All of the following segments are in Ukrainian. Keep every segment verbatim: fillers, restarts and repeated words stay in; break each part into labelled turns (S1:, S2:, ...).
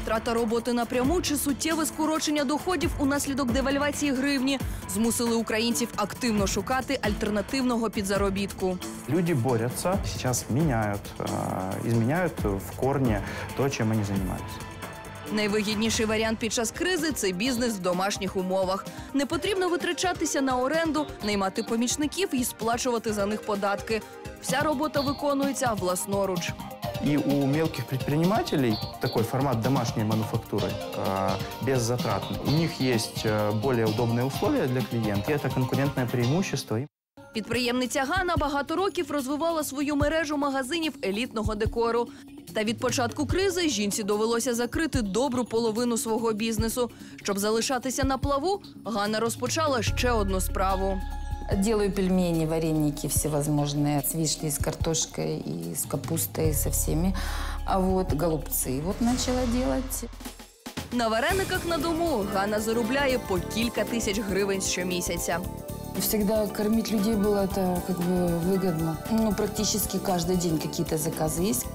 S1: Втрата роботи напряму чи суттєве скорочення доходів унаслідок девальвації гривні змусили українців активно шукати альтернативного підзаробітку.
S2: Люди борются, сейчас меняют, изменяют в корне то, чем они занимались.
S1: Найвигідніший варіант під час кризи – це бізнес в домашніх умовах. Не потрібно витрачатися на оренду, наймати помічників і сплачувати за них податки. Вся робота виконується власноруч.
S2: И у мелких предпринимателей такой формат домашней мануфактуры, беззатратный. У них есть более удобные условия для клиента, и это конкурентное преимущество.
S1: Підприємниця Ганна багато років розвивала свою мережу магазинів елітного декору. Та від початку кризи жінці довелося закрити добру половину свого бізнесу. Щоб залишатися на плаву, Ганна розпочала ще одну справу.
S3: Делаю пельмени, вареники всевозможные, с вишней, с картошкой и с капустой, со всеми. А вот голубцы вот начала делать.
S1: На варениках на дому Ганна заробляє по кілька тисяч гривень щомісяця.
S3: Всегда кормить людей было это как бы выгодно. Ну, практически каждый день какие-то заказы есть.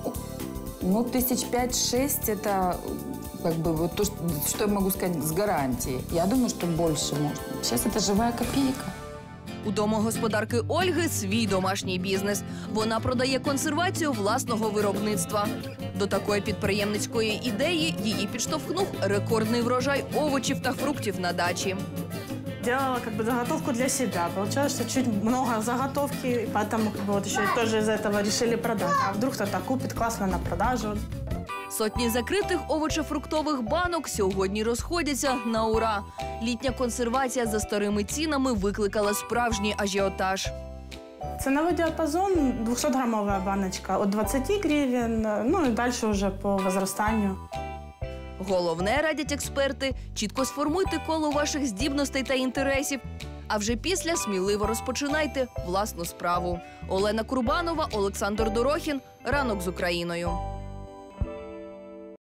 S3: Ну, тысяч пять-шесть – это как бы вот то, что я могу сказать с гарантией. Я думаю, что больше можно. Сейчас это живая копейка.
S1: У домогосподарки Ольги свій домашній бізнес. Вона продає консервацію власного виробництва. До такої підприємницької ідеї її підштовхнув рекордний врожай овочів та фруктів на дачі.
S4: Делала как бы заготовку для себя. Получалось, что чуть много заготовки, и поэтому как бы вот еще тоже из этого решили продать. А вдруг кто-то купит, классно на продажу.
S1: Сотні закритих овочефруктових банок сьогодні розходяться на ура. Літня консервація за старими цінами викликала справжній ажіотаж.
S4: Ценовой диапазон – двухсотграммовая баночка от двадцати гривен, ну и дальше уже по возрастанию.
S1: Головне, радять експерти, чітко сформуйте коло ваших здібностей та інтересів. А вже після сміливо розпочинайте власну справу. Олена Курбанова, Олександр Дорохін. Ранок з Україною.